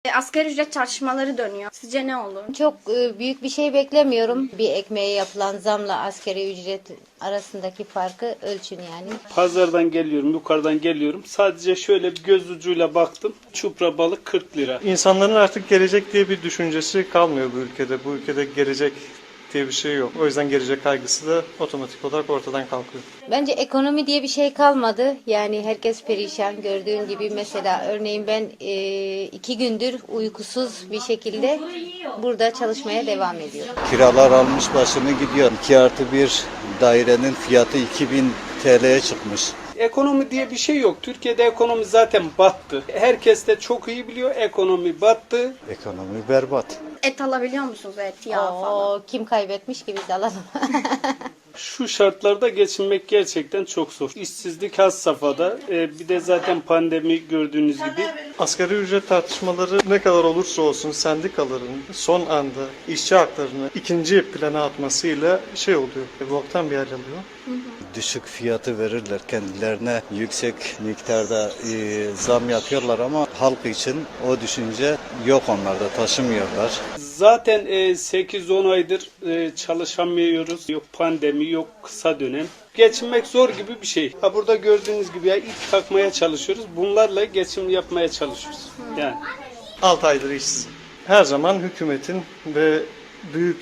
Asgari ücret tartışmaları dönüyor. Sizce ne olur? Çok büyük bir şey beklemiyorum. Bir ekmeğe yapılan zamla asgari ücret arasındaki farkı ölçün yani. Pazardan geliyorum, yukarıdan geliyorum. Sadece şöyle bir göz ucuyla baktım. Çupra balık 40 lira. İnsanların artık gelecek diye bir düşüncesi kalmıyor bu ülkede. Bu ülkede gelecek diye bir şey yok. O yüzden gelecek kaygısı da otomatik olarak ortadan kalkıyor. Bence ekonomi diye bir şey kalmadı. Yani herkes perişan. Gördüğün gibi mesela örneğin ben 2 gündür uykusuz bir şekilde burada çalışmaya devam ediyorum. Kiralar almış başını gidiyor. 2+1 dairenin fiyatı 2000 TL'ye çıkmış. Ekonomi diye bir şey yok. Türkiye'de ekonomi zaten battı. Herkes de çok iyi biliyor ekonomi battı. Ekonomi berbat. Et alabiliyor musunuz? Et, yağ falan. Kim kaybetmiş ki biz de alalım. Şu şartlarda geçinmek gerçekten çok zor. İşsizlik has safhada. Bir de zaten pandemi gördüğünüz gibi. Asgari ücret tartışmaları ne kadar olursa olsun sendikaların son anda işçi haklarını ikinci plana atmasıyla şey oluyor. Boktan bir hal alıyor. Düşük fiyatı verirler kendilerine, yüksek miktarda zam yapıyorlar ama halk için o düşünce yok, onlarda taşımıyorlar. Zaten 8-10 aydır çalışamıyoruz. Yok pandemi, yok kısa dönem. Geçinmek zor gibi bir şey. Burada gördüğünüz gibi ya ip takmaya çalışıyoruz. Bunlarla geçim yapmaya çalışıyoruz. Yani 6 aydır işsiz. Her zaman hükümetin ve büyük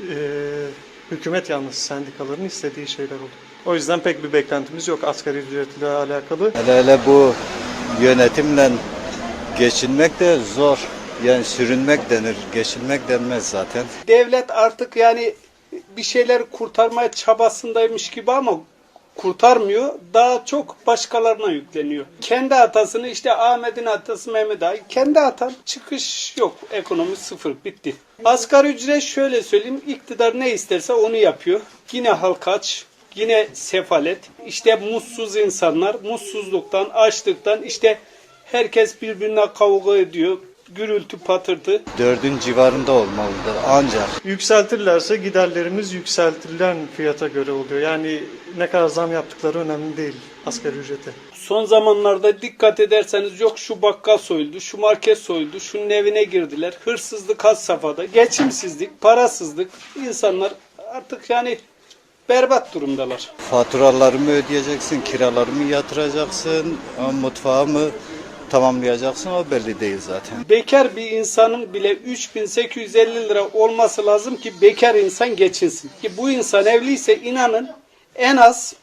hükümet yanlısı sendikaların istediği şeyler oluyor. O yüzden pek bir beklentimiz yok asgari ücretle alakalı. Hele bu yönetimle geçinmek de zor. Yani sürünmek denir, geçinmek denmez zaten. devlet artık yani bir şeyler kurtarmaya çabasındaymış gibi ama kurtarmıyor. Daha çok başkalarına yükleniyor. Kendi hatasını işte Ahmet'in hatası Mehmet Ali. Kendi hatan, çıkış yok. Ekonomi sıfır, bitti. Asgari ücret şöyle söyleyeyim. İktidar ne isterse onu yapıyor. Yine halk aç. Yine sefalet. İşte mutsuz insanlar. Mutsuzluktan, açlıktan işte herkes birbirine kavga ediyor. Gürültü patırtı. 4'ün civarında olmalıdır ancak. Yükseltirlerse giderlerimiz yükseltilen fiyata göre oluyor. Yani ne kadar zam yaptıkları önemli değil asgari ücrete. Son zamanlarda dikkat ederseniz yok şu bakkal soyuldu, şu market soyuldu, şunun evine girdiler. Hırsızlık has safhada, geçimsizlik, parasızlık. İnsanlar artık yani berbat durumdalar. Faturalarımı ödeyeceksin, kiralarımı yatıracaksın, mutfağımı tamamlayacaksın, o belli değil zaten. Bekar bir insanın bile 3.850 lira olması lazım ki bekar insan geçinsin. Ki bu insan evliyse inanın en az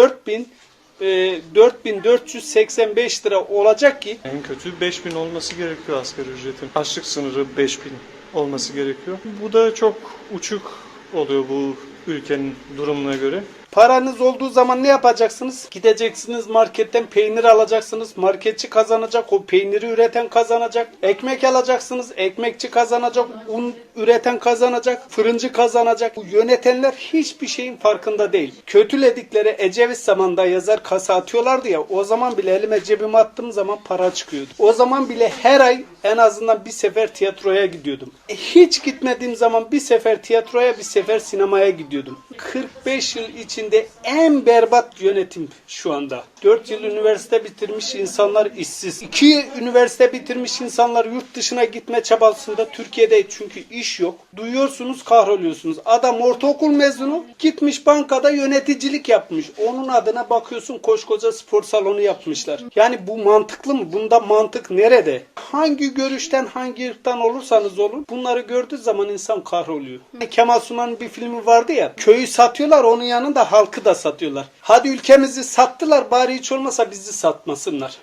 4.485 lira olacak ki En kötü 5.000 olması gerekiyor asgari ücretin. Açlık sınırı 5.000 olması gerekiyor. Bu da çok uçuk oluyor bu ülkenin durumuna göre. paranız olduğu zaman ne yapacaksınız? Gideceksiniz marketten peynir alacaksınız. Marketçi kazanacak, o peyniri üreten kazanacak. Ekmek alacaksınız, ekmekçi kazanacak. Un üreten kazanacak, fırıncı kazanacak. Bu yönetenler hiçbir şeyin farkında değil. Kötüledikleri Ecevit zamanında yazar kasa atıyorlardı ya. O zaman bile elime cebime attığım zaman para çıkıyordu. O zaman bile her ay en azından bir sefer tiyatroya gidiyordum. Hiç gitmediğim zaman bir sefer tiyatroya, bir sefer sinemaya gidiyordum. 45 yıl içinde en berbat yönetim şu anda. 4 yıl üniversite bitirmiş insanlar işsiz. 2 üniversite bitirmiş insanlar yurt dışına gitme çabasında. Türkiye'de çünkü iş yok. Duyuyorsunuz, kahroluyorsunuz. Adam ortaokul mezunu gitmiş bankada yöneticilik yapmış. Onun adına bakıyorsun koskoca spor salonu yapmışlar. Yani bu mantıklı mı? Bunda mantık nerede? Hangi görüşten, hangi ırktan olursanız olun bunları gördüğü zaman insan kahroluyor. Kemal Sunal'ın bir filmi vardı ya. Köyü satıyorlar, onun yanında halkı da satıyorlar. Hadi ülkemizi sattılar, bari hiç olmasa bizi satmasınlar.